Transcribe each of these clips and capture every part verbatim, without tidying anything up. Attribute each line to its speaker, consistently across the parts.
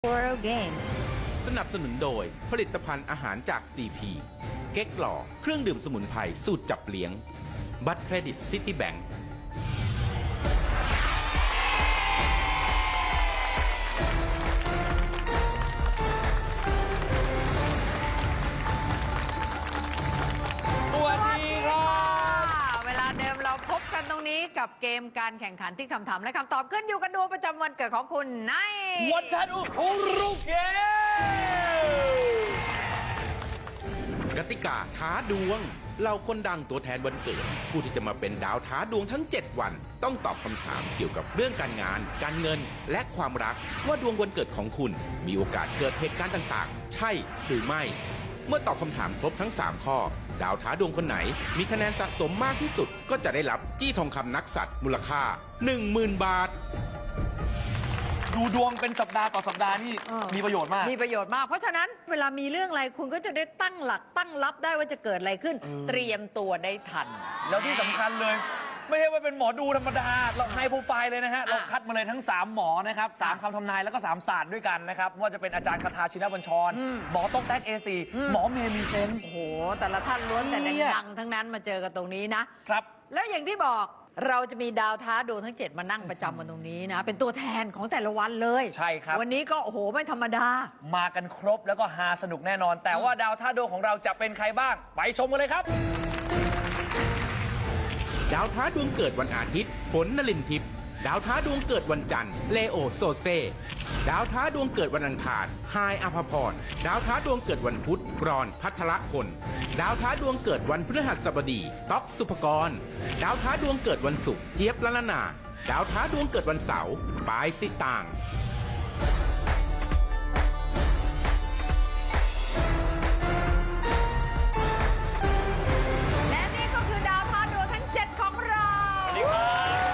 Speaker 1: World Game
Speaker 2: สนับสนุนโดยผลิตภัณฑ์อาหารจาก ซี พี เก๊กหล่อเครื่องดื่มสมุนไพรสูตรจับเลี้ยง บัตรเครดิตซิตี้แบงก์
Speaker 3: สวัสดีครับ
Speaker 1: เวลาเดิมเราพบกันตรงนี้กับเกมการแข่งขันที่คำถามและคำตอบขึ้นอยู่กับดวงประจำวันเกิดของคุณใน
Speaker 3: วันทันอุคุรุเกม
Speaker 2: กติกาท้าดวงเหล่าคนดังตัวแทนวันเกิด ผู้ที่จะมาเป็นดาวท้าดวงทั้ง เจ็ด วัน ต้องตอบคำถามเกี่ยวกับเรื่องการงาน การเงิน และความรัก ว่าดวงวันเกิดของคุณ มีโอกาสเกิดเหตุการณ์ต่างๆ ใช่หรือไม่ เมื่อตอบคำถามครบทั้ง สาม ข้อ ดาวท้าดวงคนไหน มีคะแนนสะสมมากที่สุด ก็จะได้รับจี้ทองคำนักสัตว์มูลค่า หนึ่งหมื่น บาท
Speaker 3: ดูดวงเป็นสัปดาห์ต่อสัปดาห์นี่
Speaker 1: เออ
Speaker 3: มีประโยชน์มาก
Speaker 1: มีประโยชน์มาก เพราะฉะนั้นเวลามีเรื่องอะไรคุณก็จะได้ตั้งหลักตั้งรับได้ว่าจะเกิดอะไรขึ้น
Speaker 3: เออ
Speaker 1: เตรียมตัวได้ทัน
Speaker 3: แล้วที่สำคัญเลย ไม่ใช่ว่าเป็นหมอดูธรรมดา เราไฮโปรไฟล์เลยนะฮะ เราคัดมาเลยทั้ง สาม หมอนะครับสาม
Speaker 1: อ่ะ
Speaker 3: คำทำนายแล้วก็ สาม ศาสตร์ด้วยกันนะครับไม่ว่าจะเป็นอาจารย์คาทาชินบัญชร
Speaker 1: อืม
Speaker 3: หมอต้องแท็ก เอ ซี
Speaker 1: อืม
Speaker 3: หมอเมย์มีเซนส์
Speaker 1: โอ้โห แต่ละท่านล้วนแต่
Speaker 3: เนี่ย
Speaker 1: ดังๆทั้งนั้นมาเจอกันตรงนี้นะ
Speaker 3: ครับ
Speaker 1: แล้วอย่างที่บอกเราจะมีดาวท้าดวงทั้งเจ็ดมานั่งประจำกันตรงนี้นะ เป็นตัวแทนของแต่ละวันเลย
Speaker 3: ใช่ครับ
Speaker 1: วันนี้ก็โอ้โหไม่ธรรมดา
Speaker 3: มากันครบแล้วก็ฮาสนุกแน่นอน แต่ว่าดาวท่าดวงของเราจะเป็นใครบ้าง ไปชมกันเลยครับ
Speaker 2: ดาวท้าดวงเกิดวันอาทิตย์ฝนนลินทิพย์ดาวท้าดวงเกิดวันจันทร์เลโอโซเซดาวท้าดวงเกิดวันอังคารไฮายอภพรดาวท้าดวงเกิดวันพุธรอนพัทรพลดาวท้าดวงเกิดวันพฤหัสบดีต๊อกสุภกรดาวท้าดวงเกิดวันศุกร์เจี๊ยบละละนาดาวท้าดวงเกิดวันเสาร์ปายสิตาง
Speaker 1: และนี่ก็คือดาวท้าดวงทั้งเจ็ดของเรา
Speaker 3: สวัสดีครับ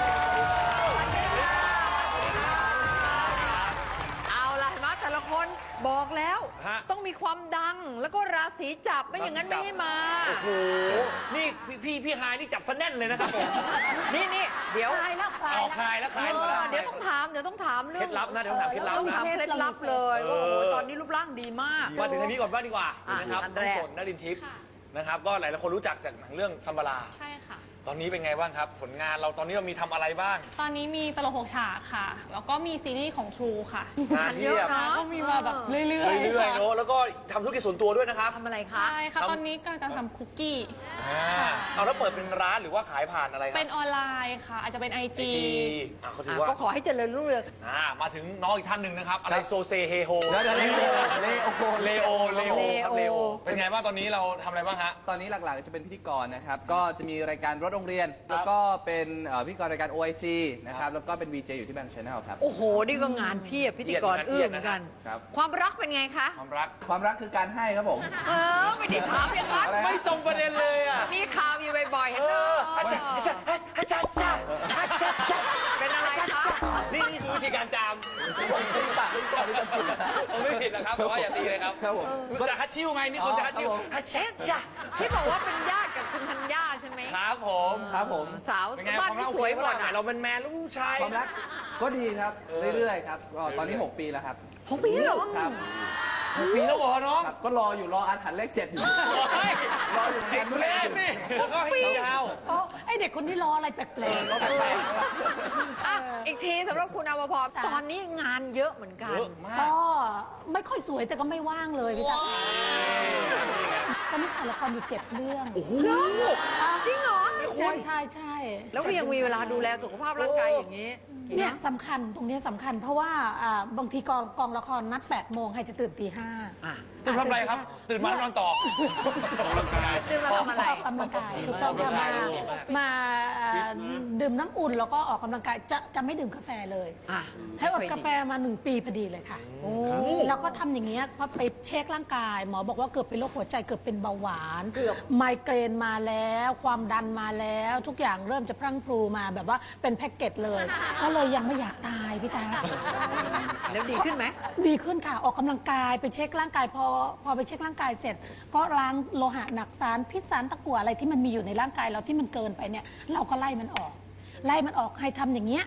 Speaker 1: เอาล่ะเห็นไหมแต่ละคนบอกแล้ว
Speaker 3: ฮะ
Speaker 1: ต้องมีความดังแล้วก็ราศีจับไม่อย่างนั้นไม่ให้มา
Speaker 3: โอ้โห นี่พี่พี่พี่ไฮายนี่จับสแน่นเลยนะครับผม
Speaker 1: นี่นี่เดี๋ยว
Speaker 4: คลายแล้วคลาย
Speaker 3: ออกคลายแล้วคลาย
Speaker 1: เอ
Speaker 3: แล้ว
Speaker 1: อเดี๋ยวต้องถามเดี๋ยวต้องถามเรื่
Speaker 3: เคล็ดลับนะเดี๋ยวถามเคล็ดลับ
Speaker 1: ต้อง
Speaker 3: นะ
Speaker 1: ถามเคล็ดลับเลย
Speaker 3: เออ
Speaker 1: ว่าโอ้โหตอนนี้รูปร่างดีมาก
Speaker 3: มาถึงทางนี้ก่อนบ้างดีกว่า
Speaker 1: อ่ะ
Speaker 3: นะครับ
Speaker 1: อัน
Speaker 3: น้อ
Speaker 1: แรง ก
Speaker 3: ฝนนรินทิพย์นะครับ ก็หลายๆคนรู้จักจากหนังเรื่องซัมบารา
Speaker 4: ใช่ค่ะ
Speaker 3: ตอนนี้เป็นไงบ้างครับ ผลงานเราตอนนี้เรามีทำอะไรบ้าง
Speaker 4: ตอนนี้มีตลกหกฉากค่ะ แล้วก็มีซีรีส์ของ True ค่ะ
Speaker 3: งาน
Speaker 1: เยอะ
Speaker 3: เยอะ
Speaker 1: นะ
Speaker 4: ก็มีมาแบบเรื่อยๆ
Speaker 3: เรื่อยๆ
Speaker 4: ค่ะ
Speaker 3: เนอะแล้วก็ทำธุรกิจส่วนตัวด้วยนะครับ
Speaker 1: ทำอะไรคะ
Speaker 4: ใช่ค่ะ
Speaker 3: ทำ
Speaker 4: ตอนนี้กำลังจะทำคุกกี้
Speaker 3: อ่า
Speaker 4: ค่ะ
Speaker 3: เอาแล้วเปิดเป็นร้านหรือว่าขายผ่านอะไรครั
Speaker 4: เป็นออนไลน์ค่ะ อาจจะเป็น ไอ จี
Speaker 3: อ่าเขาถื
Speaker 1: อ่ะ
Speaker 3: อว่า
Speaker 1: ก็ขอให้เจริญรุ่งเรือง
Speaker 3: อ่ามาถึงน้องอีกท่านหนึ่งนะครับ อะไร
Speaker 2: ครับ
Speaker 3: โซเซเฮโฮ
Speaker 2: เดี๋ยวเดี๋ยวเลโอ
Speaker 3: เลโอเลโอครับ
Speaker 1: เล
Speaker 3: เล
Speaker 1: โอ
Speaker 3: โอเป็นไงบ้างตอนนี้เราทำอะไรบ้างฮะ
Speaker 5: ตอนนี้หลักๆจะเป็นพิธีกรนะครับ ก็จะมีรายการรถโรงเรียน
Speaker 3: ครับ
Speaker 5: แล้วก็เป็นเอ่อพิธีกรรายการ โอ ไอ ซี นะครับ แล้วก็เป็น วี เจ อยู่ที่แบงค์ชาแนลครับ
Speaker 1: โอ้โห นี่ก็งานเพียบพิธีกร
Speaker 3: เครี
Speaker 1: อื้
Speaker 3: ย
Speaker 1: อ
Speaker 3: ด
Speaker 1: เห
Speaker 3: นะ
Speaker 1: มือนกัน
Speaker 5: ครับ
Speaker 1: ความรักเป็นไงคะ
Speaker 3: ความรัก
Speaker 5: ความรักคือการให้ครับผม
Speaker 1: เออ ไม่ได้ถามอย่างนั้น
Speaker 5: อะไรฮะ
Speaker 3: ไม่ตรงประเด็นเลยอ่ะ
Speaker 1: มีข่าวอยู่บ่อยๆเห็น
Speaker 3: เอ
Speaker 1: ไหม
Speaker 3: ออาจารย์อาจารย์อาจารย์อาจารย์อาจารย์อาจารย์
Speaker 1: เป็นอะไรคะ
Speaker 3: นี่นี่คือวิธีการจามผมไม่ผิดผมไม่ผิดนะครับแต่ว่าอย่าตีเลยครับ
Speaker 5: ครับผม
Speaker 3: ก็จะฮัตชิวไงนี่คนจะฮัตชิว
Speaker 5: อ๋อครับผม
Speaker 3: ฮัตเช็ดจ้ะ
Speaker 1: ที่บอกว่าเป็นญาติกับคุณธัญญาใช่ไหม
Speaker 3: ครับผม
Speaker 5: ครับผม
Speaker 1: สาว
Speaker 3: เป็นไง
Speaker 1: บ้าน
Speaker 3: ความรั
Speaker 1: ที่
Speaker 3: ก
Speaker 1: สวยหมด
Speaker 3: โอเคปะล่ะ
Speaker 1: อ่ะ
Speaker 3: เราเป็นแมนลูกชาย
Speaker 5: ความรักก็ดีครับ
Speaker 3: เออ
Speaker 5: เรื่อยๆครับก็ตอนนี้
Speaker 3: เรื่อยๆ
Speaker 5: หกปีแล้วครับ
Speaker 1: หกปีเหรอ
Speaker 5: ครับ
Speaker 3: หกปีแล้วเหรอน้อง
Speaker 5: ครับ ก็รออยู่รออาถรรพ์เลขเจ็ดอยู่
Speaker 3: เฮ้ย
Speaker 5: รออยู่
Speaker 3: เด็กเล่นนี่แล้วก็ให้ยาว
Speaker 4: โอ้ไอเด็กคนนี้รออะไรแปลก
Speaker 3: เออรอแปลก
Speaker 1: อ่ะอีกทีสำหรับคุณอวพรตอนนี้งานเยอะเหมือนกั
Speaker 3: เย
Speaker 1: น
Speaker 3: อะมา
Speaker 4: ๆ
Speaker 3: ก
Speaker 4: ก็ไม่ค่อยสวยแต่ก็ไม่ว่างเลยพี่ตาตอนนี้ถ่ายละครอยู่เจ็ดเรื่อง
Speaker 3: โอ้โห
Speaker 1: จริงเหรอ
Speaker 4: ใช่ใช่ใช่
Speaker 1: แล้วก็ยังมีเวลาดูแลสุขภาพร่างกายอย่างนี้
Speaker 4: เนี่ยสำคัญตรงเนี้ยสำคัญ เพราะว่าอ่าบางทีกองกองละครนัดแปดโมงให้จะตื่นตีห้า
Speaker 1: อ่ะ
Speaker 3: ตื่นทำอะไรครับ ตื่นมานอนต่อออกกำลังกาย
Speaker 1: ตื่นมาทำอะไร
Speaker 4: ออกกำลังกายถูกต้องค่ะ
Speaker 3: ออกกำลังกาย
Speaker 4: มา
Speaker 3: ดีมาก
Speaker 4: มาอ่าดื่มน้ำอุ่นแล้วก็ออกกำลังกายจะจะไม่ดื่มกาแฟเลย
Speaker 1: อ่ะ
Speaker 4: ให้อดกาแฟมาหนึ่งปีพอดีเลยค่ะ
Speaker 1: โอ้
Speaker 4: แล้วก็ทำอย่างเงี้ยพอไปเช็คร่างกาย หมอบอกว่าเกือบเป็นโรคหัวใจเกือบเป็นเบาหวาน
Speaker 1: เกือบ
Speaker 4: ไมเกรนมาแล้ว ความดันมาแล้ว ทุกอย่างเริ่มจะพรั่งพรูมาแบบว่าเป็นแพ็กเกจเลย ก็เลยยังไม่อยากตายพี่ตา
Speaker 1: แล้วดีขึ้นไหม
Speaker 4: ดีขึ้นค่ะ ออกกำลังกายไปเช็คร่างกายพอพอไปเช็คร่างกายเสร็จ ก็ล้างโลหะหนักสารพิษสารตะกั่วอะไรที่มันมีอยู่ในร่างกายเราที่มันเกินไปเนี่ย เราก็ไล่มันออก ไล่มันออกให้ทำอย่างเงี้ย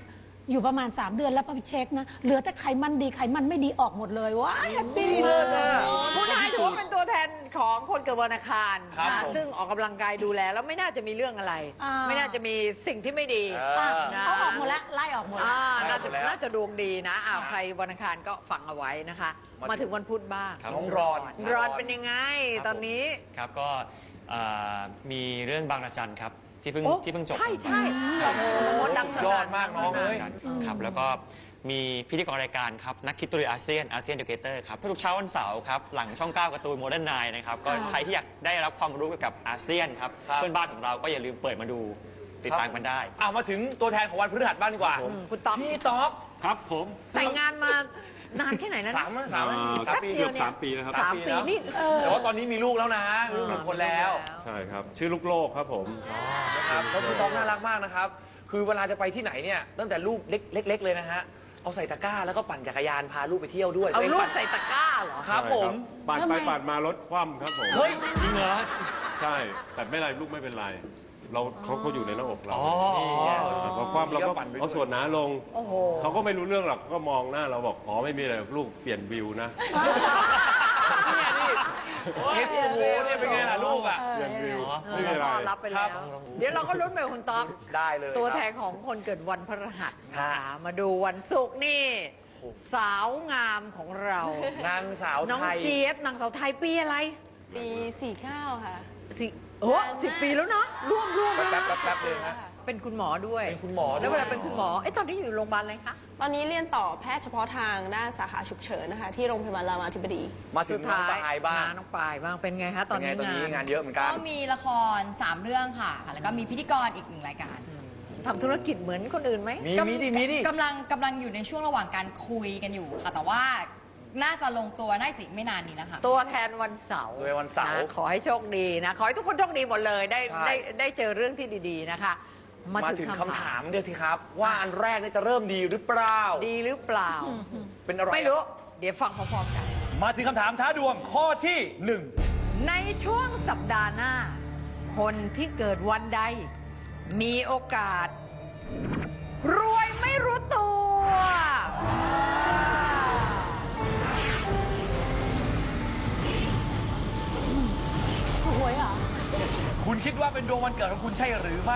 Speaker 4: อยู่ประมาณ สาม เดือนแล้วพอไปเช็คนะ เหลือแต่ไขมันดีไขมันไม่ดีออกหมดเลยว้ายแฮปปี้
Speaker 3: เลิศอะ
Speaker 1: คุณนายถือว่าเป็นตัวแทนของคนเกิดวันอังคาร
Speaker 3: ครับ
Speaker 1: นะ
Speaker 3: ผม
Speaker 1: ซึ่งออกกำลังกายดูแลแล้วไม่น่าจะมีเรื่องอะไร
Speaker 4: อ่า
Speaker 1: ไม่น่าจะมีสิ่งที่ไม่ดี
Speaker 3: เอ
Speaker 4: อ่ะ
Speaker 3: อ
Speaker 1: นะ
Speaker 4: เขาออกหมดแล้วไล่ออกหมดแล้ว
Speaker 1: อ่า
Speaker 3: ได้
Speaker 1: น่า
Speaker 3: หม
Speaker 1: จะ
Speaker 3: ดแล้ว
Speaker 1: น่าจะดวงดีนะอ้าวใครวันอังคารก็ฟังเอาไว้นะคะ
Speaker 3: มา
Speaker 1: มาถึงวันพุธบ้าง
Speaker 3: น้องรอน
Speaker 1: รอนเป็นยังไง ตอนนี้
Speaker 6: ครับก็เอ่อมีเรื่องบางระจันครับที่เพิ่ง
Speaker 1: โอ้
Speaker 6: ที่เพิ่งจบ
Speaker 1: ใช่ใช่
Speaker 6: ใช่
Speaker 1: โอ้โหดังส
Speaker 3: ยอ
Speaker 1: นั่
Speaker 3: ด
Speaker 1: น
Speaker 3: มากน้องเอ้ย
Speaker 6: ครับแล้วก็มีพิธีกรรายการครับนักคิดตุยอาเซียนอาเซียนเดเกเตอร์ครับทุกเช้าวันเสาร์ครับหลังช่องเก้าการ์ตูนโมเดิร์นไนน์นะครับก็
Speaker 4: อ่า
Speaker 6: ใครที่อยากได้รับความรู้เกี่ยวกับอาเซียนครับ
Speaker 3: ครับ
Speaker 6: เพื่อนบ้านของเราก็อย่าลืมเปิดมาดูติดตามกันได้
Speaker 3: อ่ะมาถึงตัวแทนของวันพฤหัสบ้างดีกว่า
Speaker 1: อืมคุณต๊อก
Speaker 3: พี่ต๊อก
Speaker 7: ครับผม
Speaker 1: แต่งงานมานานแค่ไหนแล้วนะ
Speaker 3: สามสาม
Speaker 7: อ่า
Speaker 3: สามปี
Speaker 1: แป๊บเดี
Speaker 7: เกื
Speaker 1: ย
Speaker 7: อ
Speaker 1: ว
Speaker 7: บสามปีแล้วครับ
Speaker 1: สามปีนี่เออ
Speaker 3: แต่ว่าตอนนี้มีลูกแล้วนะลูกหนึ่งคนแล้ว
Speaker 7: ใช่ครับ ชื่อลูกโลกครับผม
Speaker 3: นะครับแล้วพี่ต๊อกน่ารักมากนะครับ คือเวลาจะไปที่ไหนเนี่ยตั้งแต่ลูกเล็กเล็กๆเลยนะฮะเอาใส่ตะกร้าแล้วก็ปั่นจักรยานพาลูกไปเที่ยวด้วย
Speaker 1: เอาลูก
Speaker 3: ปั่น
Speaker 1: ใส่ตะกร้าเหรอ
Speaker 3: ครับผม
Speaker 7: ปาด
Speaker 4: ทำ
Speaker 7: ไป
Speaker 4: ไม
Speaker 7: ปาดมารถคว่ำครับผม
Speaker 3: เฮ้ย
Speaker 6: จริงเหรอ
Speaker 7: ใช่ แต่ไม่เป็นไรลูกไม่เป็นไร เราเขาเขาอยู่ในหน้าอกเรา
Speaker 3: อ๋อ
Speaker 7: พอคว่ำเราก็
Speaker 3: ปั่นไปด้วย
Speaker 7: เอาส่วนหนาลง
Speaker 1: โอ้โห
Speaker 7: เขาก็ไม่รู้เรื่องหรอกเขาก็มองหน้าเราบอก อ๋อไม่มีอะไรหรอกลูกเปลี่ยนวิวนะ
Speaker 3: เนี่ยนี่เห็นโอ้โหเนี่ยเป็นไงล่ะลูกอ่ะ
Speaker 4: เออ
Speaker 7: เปลี่ยนวิว
Speaker 1: เอ
Speaker 7: ไม่
Speaker 1: อ
Speaker 7: มีอะไร
Speaker 1: ต้อนรับไปแล้ว
Speaker 3: ครับ
Speaker 1: เดี๋ยวเราก็ลุ้นไปกับคุณต๊อก
Speaker 3: ได้เลย
Speaker 1: ตัว
Speaker 3: ครับ
Speaker 1: แทนของคนเกิดวันพฤหัสนะ
Speaker 3: ครั
Speaker 1: คะ
Speaker 3: บ
Speaker 1: มาดูวันศุกร์นี่ สาวงามของเรา
Speaker 3: นางสาว
Speaker 1: น้อง
Speaker 3: ไทย
Speaker 1: เจี๊ยบนางสาวไทยปีอะไร
Speaker 8: ปีสี่เก้าค่ะ
Speaker 1: สิโอ้สิบปีแล้วเนาะร่วมร่วม
Speaker 3: แป๊บแป๊บแป๊บเลยฮะ
Speaker 1: เป็นคุณหมอด้วย
Speaker 3: เป็นคุณหมอด้วย
Speaker 1: แล้วเวลาเป็นคุณหมอเอ้ตอนนี้อยู่โรงพยาบาลอะไรคะ
Speaker 8: ตอนนี้เรียนต่อแพทย์เฉพาะทางด้านสาขาฉุกเฉินนะคะ ที่โรงพยาบาลรามาธิบดี
Speaker 3: มาถึงน้องปลายบ้าง
Speaker 1: น้องปลายบ้างเป็นไงคะตอนนี้
Speaker 3: เป็ไงตอนนี้งานเยอะเหมือนกั
Speaker 9: ก็
Speaker 3: น
Speaker 9: มีละครสามเรื่องค่ะ แล้วก็มีพิธีกรอีกหนึ่งรายการ
Speaker 1: ทำธุรกิจเหมือนคนอื่นไหม
Speaker 3: มีมีดิมีดิ
Speaker 9: กำลังกำลังอยู่ในช่วงระหว่างการคุยกันอยู่ค่ะ แต่ว่าน่าจะลงตัวได้สิไม่นานนี้นะคะ
Speaker 1: ตัวแทนวันเสาร์
Speaker 3: ตัวแทนวันเสาร์
Speaker 1: ะขอให้โชคดีนะ ขอให้ทุกคนโชคดีหมดเลยได้
Speaker 3: ใช่
Speaker 1: ได้ได้เจอเรื่องที่ดีๆนะคะ
Speaker 3: มาถึงคำถามเดียวสิครับ ว่าอันแรกเนี่ยจะเริ่มดีหรือเปล่า
Speaker 1: ดีหรือเปล่า
Speaker 3: เป็นอะไร
Speaker 1: ไม่รู้ เดี๋ยวฟังพร้อมๆกัน
Speaker 3: มาถึงคำถามท้าดวงข้อที่หนึ่ง
Speaker 1: ในช่วงสัปดาห์หน้า คนที่เกิดวันใด มีโอกาส รวยไม่รู้ตัว
Speaker 4: ถูกหวยเหรอ
Speaker 3: คุณคิดว่าเป็นดวงวันเกิดของคุณใช่หรือไม่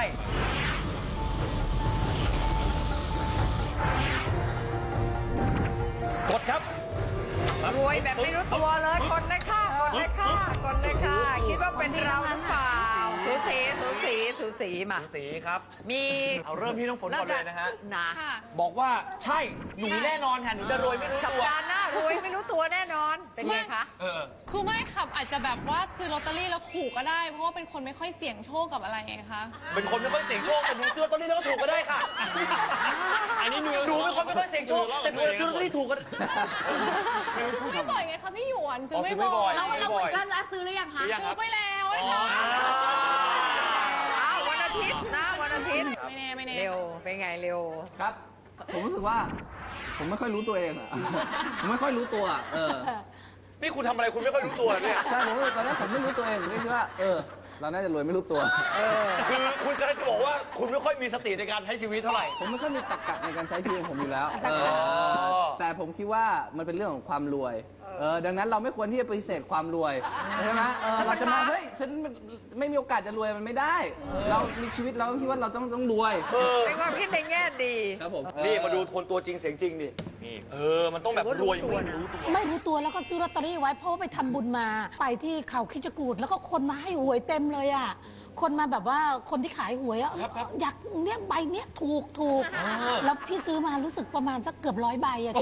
Speaker 3: กดครับ
Speaker 1: รวยแบบไม่รู้ตัวเลยคนเลยค่ะคนเลยค่ะคนเลยค่ะคิดว่าเป็นเราหรือเปล่าสูสีสูสีสูสีมา
Speaker 3: สีครับ
Speaker 1: มี
Speaker 3: เอาเริ่มที่น้องฝนก่อนเลยนะฮะ
Speaker 1: นะ
Speaker 3: บอกว่าใช่หนูแน่นอนค่ะหนูจะรวยไม่รู้
Speaker 1: สัป
Speaker 3: ตัว
Speaker 1: ดาห์หน้ารวยไม่รู้ตัวแน่นอน เป็นไงคะ
Speaker 3: เออ
Speaker 8: คือไม่ขับอาจจะแบบว่าซื้อลอตเตอรี่แล้วถูกก็ได้ เพราะว่าเป็นคนไม่ค่อยเสี่ยงโชคกับอะไรไงคะ
Speaker 3: เป็นคนไม่ค่อยเสี่ยงโชคแต่หนูซื้อลอตเตอรี่แล้วก็ถูกก็ได้ค่ะ
Speaker 6: อันนี้หนู
Speaker 3: หนูเป็นคนไม่ค่อยเสี่ยงโชคแต่หนูซื้อลอตเตอรี่ถูกก็ได้
Speaker 8: ไม่บ่อยไงคะพี่หยวนซื้อไม่
Speaker 3: อ๋อซื้อไม่บ่
Speaker 8: บ่
Speaker 3: อ
Speaker 8: อย ย
Speaker 3: แล้วแล้วแล้ว
Speaker 9: แล้วซื้อหรือยังคะ
Speaker 3: หรือยังค
Speaker 8: ซื้
Speaker 3: รั
Speaker 8: อบ ไปแล้วนะ
Speaker 3: อ๋อ
Speaker 8: คะ
Speaker 1: อ้าววันอาทิตย์นะวันอาทิตย์
Speaker 8: ไม่แน่ไม่แน่
Speaker 1: เร็ว เป็นไงเร็ว
Speaker 5: ครับ ผมรู้สึกว่า ผมไม่ค่อยรู้ตัวเองอะ ผมไม่ค่อยรู้ตัวอะเออ
Speaker 3: นี่คุณทำอะไรคุณไม่ค่อยรู้ตัวเนี่ย
Speaker 5: ใช่ผมตอนแรกผมไม่รู้ตัวเองผมก็คิดว่า เออ เราน่าจะรวยไม่รู้ตัว
Speaker 1: เออ
Speaker 3: คือคุณกำลังจะบอกว่าคุณไม่ค่อยมีสติในการใช้ชีวิตเท่าไหร่
Speaker 5: ผมไม่ค่อยมีตรรกะในการใช้ชีวิตของผมอยู่แล้ว
Speaker 1: ตรรกะ
Speaker 5: เออแต่ผมคิดว่ามันเป็นเรื่องของความรวย เออ ดังนั้นเราไม่ควรที่จะปฏิเสธความรวยใช่ไหมเออ เราจะมา เฮ้ย ฉันไม่มีโอกาสจะรวยมันไม่ได้ เรามีชีวิตเราต้องคิดว่าเราต้องต้องรวย
Speaker 3: เออ
Speaker 1: เป็นความคิดในแง่ดี
Speaker 5: ครับผม
Speaker 3: นี่มาดูคนตัวจริงเสียงจริงดิ
Speaker 6: นี่
Speaker 3: เออ มันต้องแบบรวยไม่รู้ตัว
Speaker 4: ไม่รู้ตัวแล้วก็ซื้อลอตเตอรี่ไว้เพราะว่าไปทำบุญมา ไปที่เขาคิจกูดแล้วก็คนมาให้หวยเต็มเลยอ่ะ คนมาแบบว่าคนที่ขายหวยอะอยากเนี้ยใบเนี้ยถูกถูกแล้วพี่ซื้อมารู้สึกประมาณสักเกือบร้อยใบอะ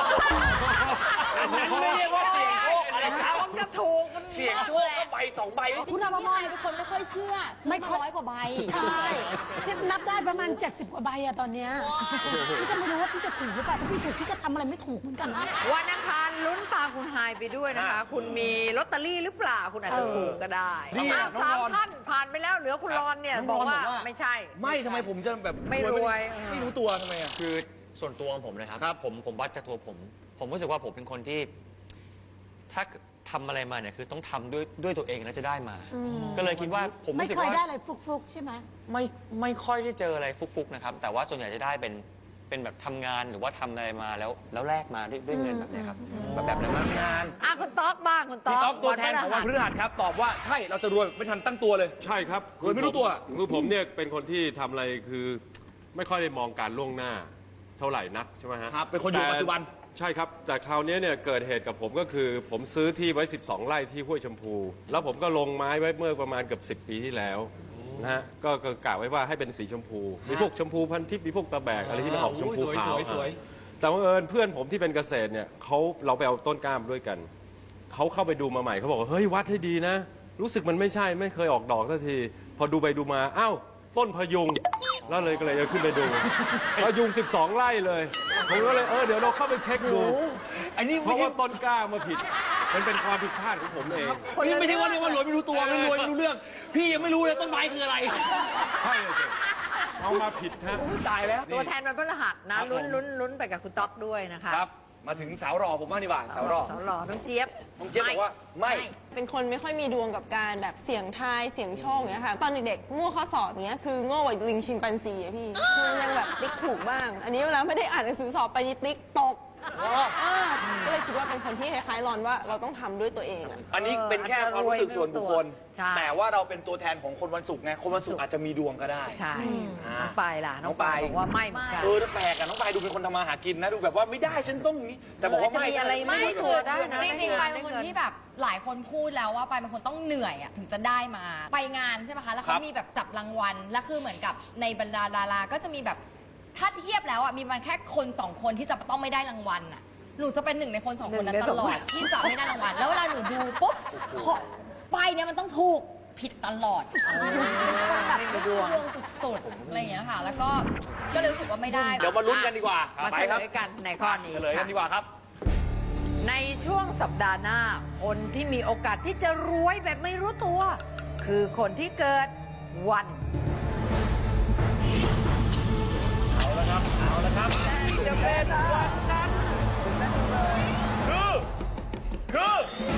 Speaker 3: นั้นไม่เรียกว่าเสี่ยงโชคอะไรครับ
Speaker 1: มันจะถูกมัน
Speaker 3: เสี่ยงโชคก็ใบสองใบ
Speaker 8: คุณอภพรเป็นคนไม่ค่อยเชื่อซื้อมาร้อยกว่าใบ
Speaker 4: ใช่ที่นับได้ประมาณเจ็ดสิบกว่าใบอะตอนเนี้ยพี่จะไม่รู้ว่าพี่จะถูกหรือเปล่าถ้าพี่ถูกพี่จะทำอะไรไม่ถูกเหมือนกันนะ
Speaker 1: วันอังคารลุ้นตามคุณไฮายไปด้วยนะคะ คุณมีลอตเตอรี่หรือเปล่า คุณอาจจะถูกก็ได้
Speaker 3: นี่
Speaker 1: อ้าว
Speaker 3: น้อง
Speaker 1: สาม
Speaker 3: รอน
Speaker 1: ท่านผ่านไปแล้วเหลือคุณรอนเนี่ย
Speaker 3: น้อง
Speaker 1: บ
Speaker 3: ร
Speaker 1: อ
Speaker 3: อก น
Speaker 1: ว่า
Speaker 3: บอกว่า
Speaker 1: ไม่ใช่
Speaker 3: ไม่ทำไมผมจะแบบ
Speaker 1: ไม่รวย
Speaker 3: ไม่รู้ตัวทำไมอ่ะ
Speaker 6: คือส่วนตัวของผมนะครับผมผมวัดจากตัวผม ผมรู้สึกว่าผมเป็นคนที่ ถ้าทำอะไรมาเนี่ยคือต้องทำด้วยด้วยตัวเองแล้วจะได้มา
Speaker 4: อืม
Speaker 6: ก็เลยคิดว่าผม
Speaker 4: ไม่
Speaker 6: รู้สึก
Speaker 4: เคย
Speaker 6: ว่า
Speaker 4: ได้อะไรฟลุกๆใช่ไหม
Speaker 6: ไม่ไม่ค่อยได้เจออะไรฟุกๆนะครับ แต่ว่าส่วนใหญ่จะได้เป็นเป็นแบบทำงานหรือว่าทำอะไรมาแล้วแล้วแลกมาด้วยด้วยเงินแบบเนี้ยครับแบบแบบนั้น
Speaker 3: ทำงาน
Speaker 1: อ่ะคุณต๊อกบ้างคุณต๊
Speaker 3: พี่
Speaker 1: อก
Speaker 3: ต๊อกตัวแทนของวันพฤหัสครับ ตอบว่าใช่เราจะรวยไม่ทันตั้งตัวเลย
Speaker 7: ใช่ครับ
Speaker 3: รวยไม่รู้ตัว
Speaker 7: คือผมเนี่ยเป็นคนที่ทำอะไรคือ ไม่ค่อยได้มองการล่วงหน้า เท่าไหร่นักใช่ไหมฮะ
Speaker 3: ครับเป็นคนอยู่
Speaker 7: แต่
Speaker 3: ปัจจุบัน
Speaker 7: ใช่ครับ แต่คราวนี้เนี่ยเกิดเหตุกับผมก็คือ ผมซื้อที่ไว้ สิบสอง ไร่ที่ห้วยชมพู แล้วผมก็ลงไม้ไว้เมื่อประมาณเกือบสิบ ปีที่แล้วนะฮะก็ก็กะไว้ว่าให้เป็นสีชมพู มีพวกชมพูพันทิพย์มีพวกตะแบกอะไรที่มันออกชมพูขาว
Speaker 3: สวยๆสวย
Speaker 7: แต่ว่าเอิญเพื่อนผมที่เป็นเกษตรเนี่ยเขาเราไปเอาต้นกล้ามด้วยกันเขาเข้าไปดูมาใหม่เขาบอกว่าเฮ้ยวัดให้ดีนะ รู้สึกมันไม่ใช่ไม่เคยออกดอกสักที พอดูไปดูมาอ้าวต้นพยุง แล้วเลยก็เลยเอาขึ้นไปดูพยุงสิบสอง ไร่เลยผมก็เลยเออเดี๋ยวเราเข้าไปเช็คดู
Speaker 3: อันนี้
Speaker 7: เพ
Speaker 3: ไม่
Speaker 7: ราะ
Speaker 3: ใช่
Speaker 7: ว่าต้นกล้ามาผิด มันเป็นความผิดพลาดของผมเอง
Speaker 3: นี่ไม่ใช่ว่าเรียกว่ารวยไม่รู้ตัวไม่รวยไม่รู้เรื่อง พี่ยังไม่รู้เลยต้นไม้คืออะไร
Speaker 7: ใช่เลยสิเอามาผิดฮะ
Speaker 3: ตายแล้ว
Speaker 1: ตัวแทนวันพฤหัสนะครับ ลุ้น
Speaker 3: ผม
Speaker 1: ลุ้นลุ้นไปกับคุณต๊อกด้วยนะคะ
Speaker 3: ครับ มาถึงสาวรอผมบ้างดีกว่าสาวรอ
Speaker 1: สาวหล่อน้องเจี๊ยบ
Speaker 3: น้องเจี๊ยบบอกว่าไม่
Speaker 8: เป็นคนไม่ค่อยมีดวงกับการแบบเสี่ยงทายเสี่ยงโชคอย่างเงี้ยค่ะ ตอนเด็กๆโง่ข้อสอบอย่างเงี้ยคือโง่กว่าลิงชิมแปนซีอะพี่คือยังแบบติ๊กถูกบ้าง อันนี้เวลาไม่ได้อ่านหนังสือสอบไปนี่ติ๊กตก
Speaker 3: อ๋อ
Speaker 8: อ่าก็เลยคิดว่าเป็นคนที่คล้ายๆรอนว่าเราต้องทำด้วยตัวเองอะ
Speaker 3: อันนี้เป็นแค่ความรู้สึกส่วนบุคคล
Speaker 1: ใช่
Speaker 3: แต่ว่าเราเป็นตัวแทนของคนวันศุกร์ไง คนวันศุกร์อาจจะมีดวงก็ได้
Speaker 1: ใช่
Speaker 3: อ่า
Speaker 1: น้องปายล่ะ น้องปาย
Speaker 3: น้องปาย
Speaker 1: บอกว่าไม่เหมือนกัน
Speaker 3: เออแล้วแปลกอะน้องปายดูเป็นคนทำมาหากินนะ ดูแบบว่าไม่ได้ฉันต้องอย่างนี้ แต่บอกว่าไม่
Speaker 1: เออจะมีอะไร
Speaker 9: ไม่
Speaker 1: ไม่
Speaker 9: คื
Speaker 1: ตัว
Speaker 9: อ
Speaker 1: ได้นะ
Speaker 9: จริงๆ
Speaker 1: ได้
Speaker 9: ไป
Speaker 1: เงิน
Speaker 9: เป็นคน
Speaker 1: ได้เงิน
Speaker 9: ที่แบบหลายคนพูดแล้วว่าไปเป็นคนต้องเหนื่อยอ่ะถึงจะได้มา ไปงานใช่ไหมคะ แล้ว
Speaker 3: ครั
Speaker 9: เขา
Speaker 3: บ
Speaker 9: มีแบบจับรางวัล แล้วคือเหมือนกับในบรรดาดาราก็จะมีแบบถ้าเทียบแล้วอ่ะมีมันแค่คนสองคนที่จะต้องไม่ได้รางวัลอ่ะ หนูจะเป็นหนึ่งในคนสองคนนั้น
Speaker 1: หนึ่งใน
Speaker 9: ต
Speaker 1: สอง
Speaker 9: ลอ
Speaker 1: ค
Speaker 9: ด
Speaker 1: น
Speaker 9: ที่จะไม่ได้รางวัล แล้วเวลาหนูดูปุ๊บขอไปเนี่ยมันต้องถูกผิดตลอดแบบ
Speaker 1: ไม่มีดวง
Speaker 9: ดวงสุดๆอะไรอย่างเงี้ยค่ะ แล้วก็ก็เลยรู้สึกว่าไม่ได้
Speaker 3: เดี๋ยวมาลุ้นกันดีกว่า
Speaker 1: มา
Speaker 3: ไป
Speaker 1: เฉ
Speaker 3: ค
Speaker 1: ล
Speaker 3: รับ
Speaker 1: ยกันในข้อนี้
Speaker 3: เฉลยกันดีกว่าครับ
Speaker 1: ในช่วงสัปดาห์หน้า คนที่มีโอกาสที่จะรวยแบบไม่รู้ตัว คือคนที่เกิดวัน
Speaker 3: เอาละครับ เอาละครับจะเป็นวันนั้นคือ คือ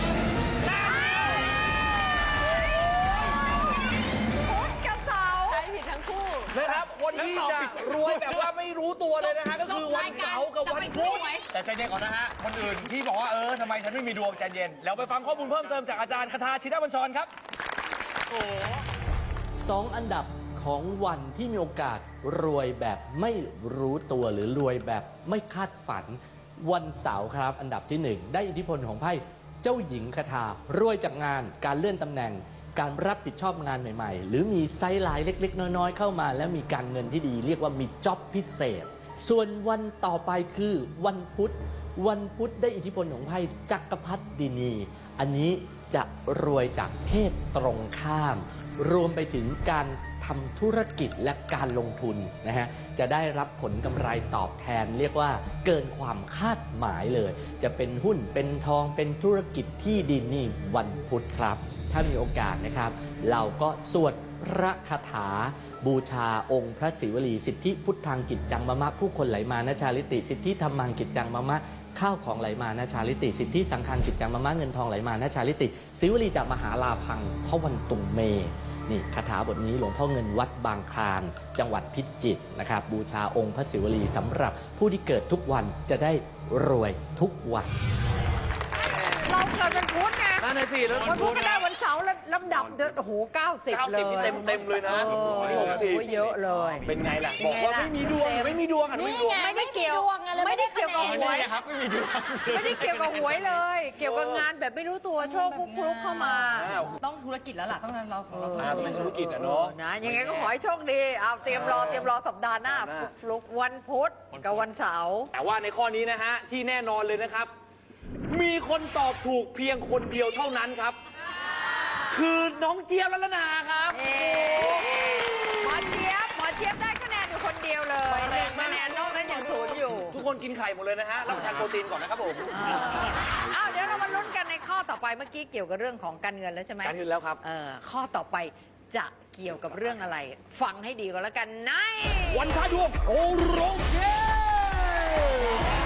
Speaker 1: พุธกับเสาร์
Speaker 8: ใช้ผิดทั้งคู่
Speaker 3: นะครับ คนที่จะรวยแบบว่าไม่รู้ตัวเลยนะฮะ ก็คือวันเสาร์กับวันพุธแต่ใจเย็นก่อนนะฮะ คนอื่นที่บอกว่าเออทำไมฉันไม่มีดวงใจเย็น แล้วไปฟังข้อมูลเพิ่มเติมจากอาจารย์คทาชินบัญชรครับ โอ้
Speaker 10: สองอันดับของวันที่มีโอกาสรวยแบบไม่รู้ตัวหรือรวยแบบไม่คาดฝัน วันเสาร์ครับ อันดับที่หนึ่งได้อิทธิพลของไพ่เจ้าหญิงคทารวยจากงานการเลื่อนตำแหน่ง การรับผิดชอบงานใหม่ๆ หรือมีไซด์ไลน์เล็กๆ น้อยๆเข้ามา แล้วมีการเงินที่ดี เรียกว่ามีจ็อบพิเศษ ส่วนวันต่อไปคือวันพุธ วันพุธได้อิทธิพลของไพ่จักรพรรดินี อันนี้จะรวยจากเพศตรงข้าม รวมไปถึงการทำธุรกิจและการลงทุนนะฮะจะได้รับผลกำไรตอบแทน เรียกว่าเกินความคาดหมายเลย จะเป็นหุ้นเป็นทองเป็นธุรกิจที่ดินนี่วันพุธครับ ถ้ามีโอกาสนะครับ เราก็สวดพระคาถา บูชาองค์พระศิวลีสิทธิพุทธังกิจจังมะมะผู้คนไหลมานะชาลิติสิทธิธรรมังกิจจังมะมะข้าวของไหลมานะชาลิติสิทธิสังฆังกิจจังมะมะเงินทองไหลมานะชาลิติศิวลีจากมหาลาพังพระวันตุงเมนี่คาถาบทนี้หลวงพ่อเงินวัดบางคลานจังหวัดพิจิตรนะครับบูชาองค์พระศิวลีสำหรับผู้ที่เกิดทุกวันจะได้รวยทุกวัน
Speaker 1: เราเกิดวันพุธไง
Speaker 3: นั่นน่ะสิแล้ว
Speaker 1: วันพุธก็ได้วันเสาร์แล้วลำดับเดือนโอ้โหเก้าสิบ
Speaker 3: เก้า
Speaker 1: เล
Speaker 3: สิบ
Speaker 1: ย
Speaker 3: นี่เต็มเต็มเลยนะ
Speaker 1: เออ
Speaker 3: นี่หกสิบ
Speaker 1: โอ้โหเยอะเลย
Speaker 3: เป็นไงล่ะ
Speaker 1: เป็น
Speaker 3: บอก
Speaker 1: ไง
Speaker 3: ว่า
Speaker 1: ล่ะ
Speaker 3: ไม่มีดวง ไม่มีดวงอ่ะไม่มีดวง
Speaker 1: ไม่ได้เกี่ยว
Speaker 9: ไม่มีดวงไงเลย
Speaker 1: ไม่ได้เกี่ยวกับ
Speaker 9: ไม่
Speaker 1: ห
Speaker 9: ได้
Speaker 1: วย
Speaker 9: คะแนน
Speaker 3: ครับไม่มีดวง
Speaker 1: ไม่ได้เกี่ยวกับหวยเลย เกี่ยวกับงานแบบไม่รู้ตัวโชคฟลุกๆเข้ามา
Speaker 3: อ้าว
Speaker 9: ต้องธุรกิจแล้วล่ะต้องเราเรา
Speaker 3: อ่าต้องเป็นธุรกิจอะเนาะ
Speaker 1: นะยังไงก็ขอให้โชคดีเอาเตรียมรอเตรียมรอสัปดาห์หน้า
Speaker 3: สัปดาห์หน้า
Speaker 1: ฟลุกๆวันพุธกับวันเสาร์
Speaker 3: แต่ว่าในข้อนี้นะฮะ ที่แน่นอนเลยนะครับ มีคนตอบถูกเพียงคนเดียวเท่านั้นครับ คือน้องเจี๊ยบลัลนาครับ
Speaker 1: เอ๊หมอเจี๊ยบหมอเจี๊ยบได้คะแนนอยู่คนเดียวเลยหนึ่งคะแนนนอกนั้นยังศูนย์อยู่
Speaker 3: ทุกคนกินไข่หมดเลยนะฮะรับประทานโปรตีนก่อนนะครับผม
Speaker 1: อ้าวเดี๋ยวเรามาลุ้นกันในข้อต่อไปเมื่อกี้เกี่ยวกับเรื่องของการเงินแล้วใช่ไหม
Speaker 3: การเงินแล้วครับ
Speaker 1: เออข้อต่อไปจะเกี่ยวกับเรื่องอะไร ฟังให้ดีก่อนแล้วกันใน
Speaker 3: วันท้าดวงโอโรงเก